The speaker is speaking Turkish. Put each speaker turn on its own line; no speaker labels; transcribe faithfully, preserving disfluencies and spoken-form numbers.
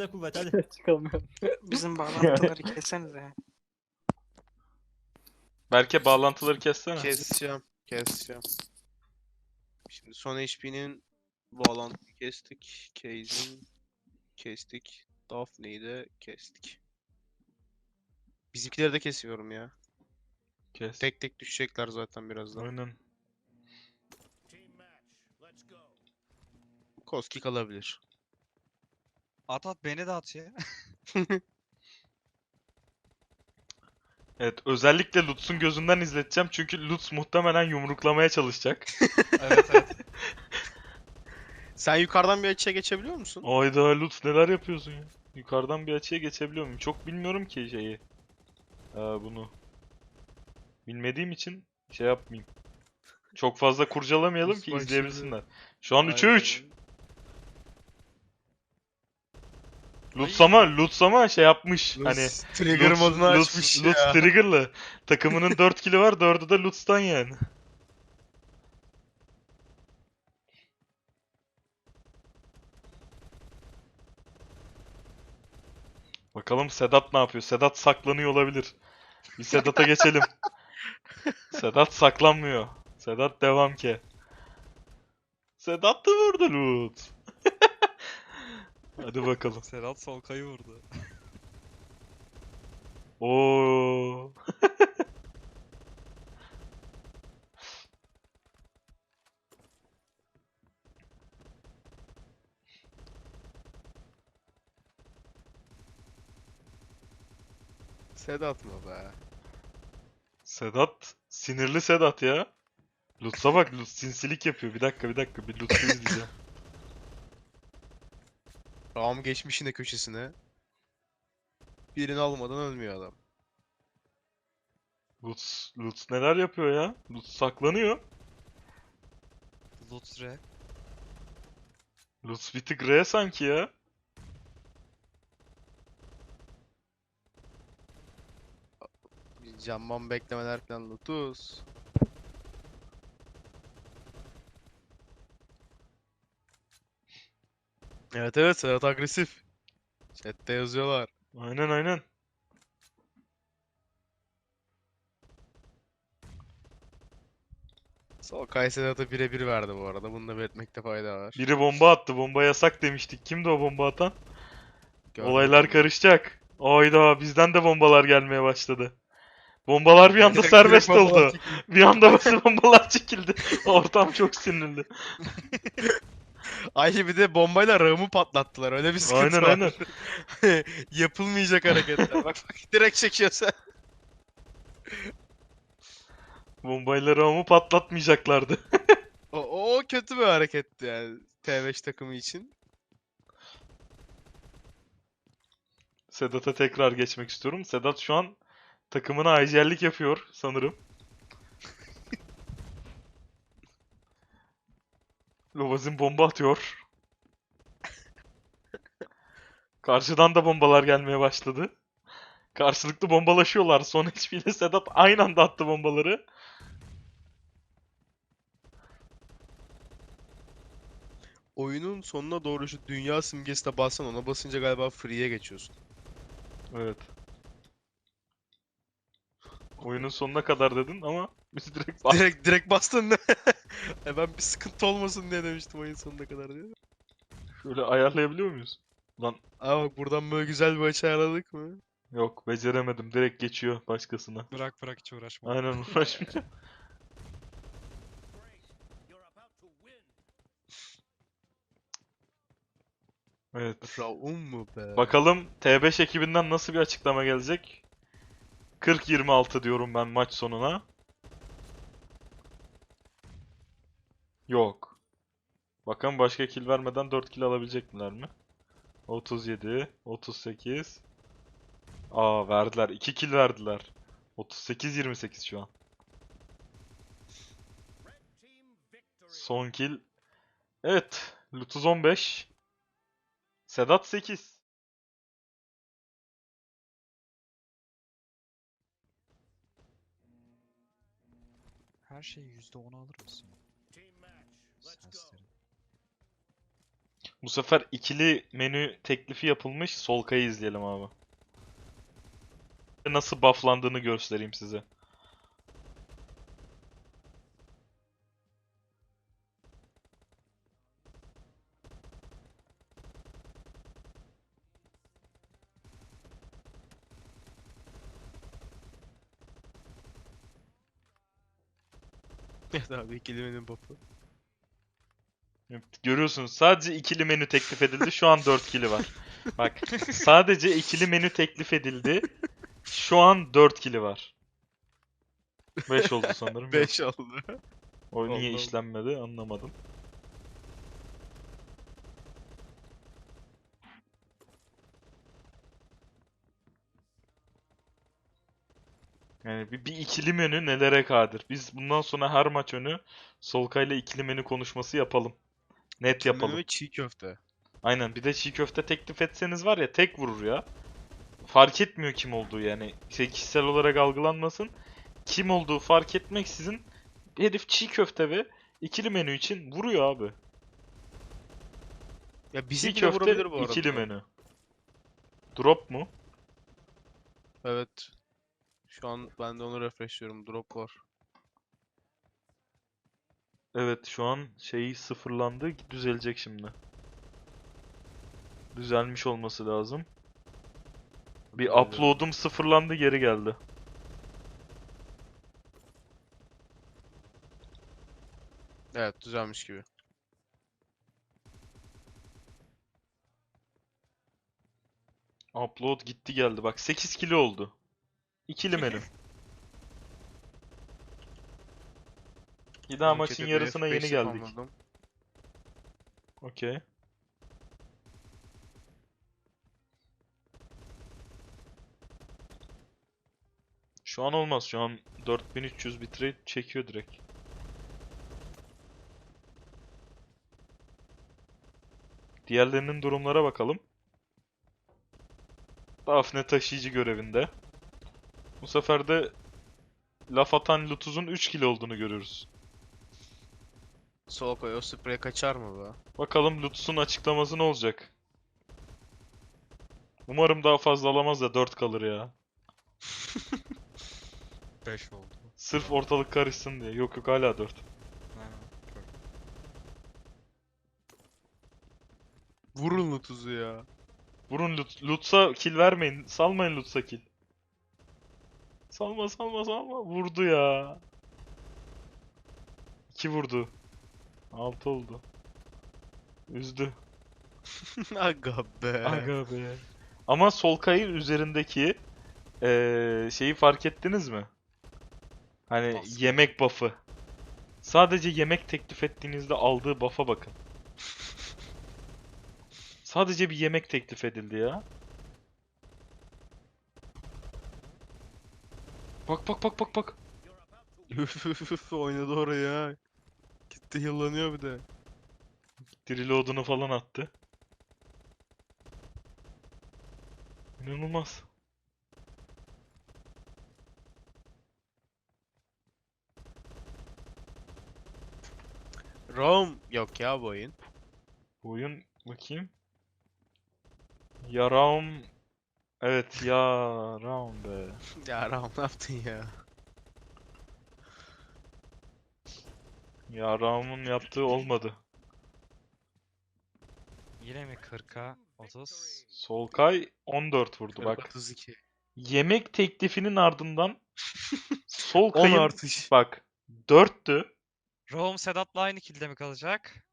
güçle kuvvet hadi.
Çıkamıyorum.
Bizim bağlantıları kessenize.
Berke bağlantıları kessene.
Keseceğim. Keseceğim. Şimdi son H P'nin bağlantıyı kestik. Case'in kestik. Daphne'yi de kestik. Bizimkileri de kesiyorum ya.
Kes.
Tek tek düşecekler zaten birazdan.
Aynen.
Koski kalabilir.
At at beni de at ya.
Evet, özellikle Lutz'un gözünden izleteceğim çünkü Lutz muhtemelen yumruklamaya çalışacak.
Evet evet.
Sen yukarıdan bir açıya geçebiliyor musun?
Ayda Lutz neler yapıyorsun ya? Yukarıdan bir açıya geçebiliyor muyum? Çok bilmiyorum ki şeyi. Ee, bunu. Bilmediğim için şey yapmayayım. Çok fazla kurcalamayalım ki
Bak
izleyebilsinler. Şu an üçe
Aynen.
üç. Lutz ama, Lutz ama şey yapmış. Hani
Lutz trigger
Lutz-
modunu
Lutz-
açmış
Lutz
ya.
triggerlı. Takımının dört kili var, dördü de Lutz'tan yani. Bakalım Sedat ne yapıyor? Sedat saklanıyor olabilir. Bir Sedat'a geçelim. Sedat saklanmıyor. Sedat devam ki. Sedat da vurdu Lutz. Hadi bakalım.
Serhat Solkay'ı vurdu.
Oo.
Sedat mı be?
Sedat sinirli Sedat ya. Lutz'a bak, Lutz sinsilik yapıyor. Bir dakika bir dakika bir Lutz'u izleyeceğim.
Ram geçmiş yine köşesine. Birini almadan ölmüyor adam.
Lutz, Lutz neler yapıyor ya? Lutz saklanıyor.
Lutre.
Lutz bir tık R sanki ya.
Camman beklemeler falan Lotus. Evet evet Serhat agresif. Chat'te yazıyorlar.
Aynen aynen.
Solkay Sedat'a birebir verdi bu arada. Bunu da belirtmekte fayda var.
Biri bomba attı. Bomba yasak demiştik. Kimdi o bomba atan?
Görmedim
Olaylar
onu.
karışacak. Ayda bizden de bombalar gelmeye başladı. Bombalar bir anda
Direkt-
serbest
direkt bombalar
oldu. Bir anda bazı bombalar çekildi. Ortam çok sinirli.
Ay bir de bombayla rağımı patlattılar. Öyle bir sıkıntı
Aynen
var.
aynen.
Yapılmayacak hareketler. Bak bak direkt çekiyor sen.
Bombayla Raum'u patlatmayacaklardı.
O, o kötü bir hareketti yani T beş takımı için.
Sedat'a tekrar geçmek istiyorum. Sedat şu an takımına acellik yapıyor sanırım. Lovazin bomba atıyor. Karşıdan da bombalar gelmeye başladı. Karşılıklı bombalaşıyorlar. Son H P ile Sedat aynı anda attı bombaları.
Oyunun sonuna doğru şu dünya simgesine bassan ona basınca galiba free'ye geçiyorsun.
Evet. Oyunun sonuna kadar dedin ama biz direkt bas-
Direkt direkt bastın. E ben bir sıkıntı olmasın diye demiştim oyun sonuna kadar diye.
şöyle ayarlayabiliyor muyuz? Lan
Ama bak buradan böyle güzel bir açı ayarladık mı?
yok beceremedim. Direkt geçiyor başkasına.
Bırak bırak hiç uğraşma.
Aynen uğraşmayacağım. Evet.
Raum mu be?
Bakalım T beş ekibinden nasıl bir açıklama gelecek? kırk yirmi altı diyorum ben maç sonuna. Yok. Bakalım başka kill vermeden dört kill alabilecekler mi? otuz yedi, otuz sekiz. Aa verdiler. iki kill verdiler. otuz sekiz yirmi sekiz şu an. Son kill. Evet. Lutuz on beş. Sedat sekiz.
Her şeyi yüzde on alır mısın? Sensleri.
Bu sefer ikili menü teklifi yapılmış. Solkay'ı izleyelim abi. Nasıl bufflandığını göstereyim size.
Evet abi kelimenin buff'ı.
Evet, görüyorsunuz sadece ikili menü teklif edildi. Şu an dört kili var. Bak sadece ikili menü teklif edildi. Şu an dört kili var. beş oldu sanırım. Yok.
beş oldu.
O niye
Oldu, oldu.
işlenmedi anlamadım. Yani bir, bir ikili menü nelere kadir. Biz bundan sonra her maç önü Solkay'la ikili menü konuşması yapalım. Net
Kelimenin
yapalım.
ve çiğ köfte.
Aynen bir de çiğ köfte teklif etseniz var ya tek vurur ya. Fark etmiyor kim olduğu yani. Şey, kişisel olarak algılanmasın. Kim olduğu fark etmeksizin herif çiğ köfte ve ikili menü için vuruyor abi.
Ya
Çiğ
bizi bile
köfte
vurabilir bu arada.
ikili menü. Drop mu?
Evet. Şu an ben de onu refreshliyorum. Drop var.
Evet şu an şeyi sıfırlandı. Düzelecek şimdi. Düzelmiş olması lazım. Bir
Düzeliyor.
upload'um sıfırlandı geri geldi.
Evet düzelmiş gibi.
Upload gitti geldi. Bak sekiz kilo oldu. İkili menü. Bir daha
Ben
maçın
chat'e bir
yarısına
F
yeni
beş
geldik.
yapamadım.
Okey. Şu an olmaz. Şu an dört bin üç yüz bitrate çekiyor direkt. Diğerlerinin durumlara bakalım. Daphne taşıyıcı görevinde. Bu sefer de laf atan Lutuz'un üç kilo olduğunu görüyoruz.
Sol koy o sprey kaçar mı be?
Bakalım Lutuz'un açıklaması ne olacak? Umarım daha fazla alamaz da dört kalır ya.
beş oldu.
Sırf ortalık karışsın diye. Yok yok hala dört.
Ha, gördüm.
Vurun tuzu ya.
Vurun Lut Lutz'a kill vermeyin. Salmayın Lutz'a kill. Salma salma salma. Vurdu ya. iki vurdu. altı oldu. Üzdü.
Aga be.
Aga be. Ama Solkay'ın üzerindeki eee, şeyi fark ettiniz mi? Hani
Nasıl?
yemek buff'ı. Sadece yemek teklif ettiğinizde aldığı buff'a bakın. Sadece bir yemek teklif edildi ya. Bak bak bak bak bak.
Üf üf üf oynadı oraya. Gitti yıllanıyor bir de.
Reload'unu falan attı. İnanılmaz.
Rom yok ya bu oyun.
Bu oyun bakayım. Yaram. Evet yaram be.
Ya Rom ne yaptın ya?
Yaramın yaptığı olmadı.
Yine mi kırka otuz?
Solkay on dört vurdu bak.
otuz iki.
Yemek teklifinin ardından
on
Solkay'ın
artış.
bak dörttü.
Rome Sedat'la aynı kilde mi kalacak?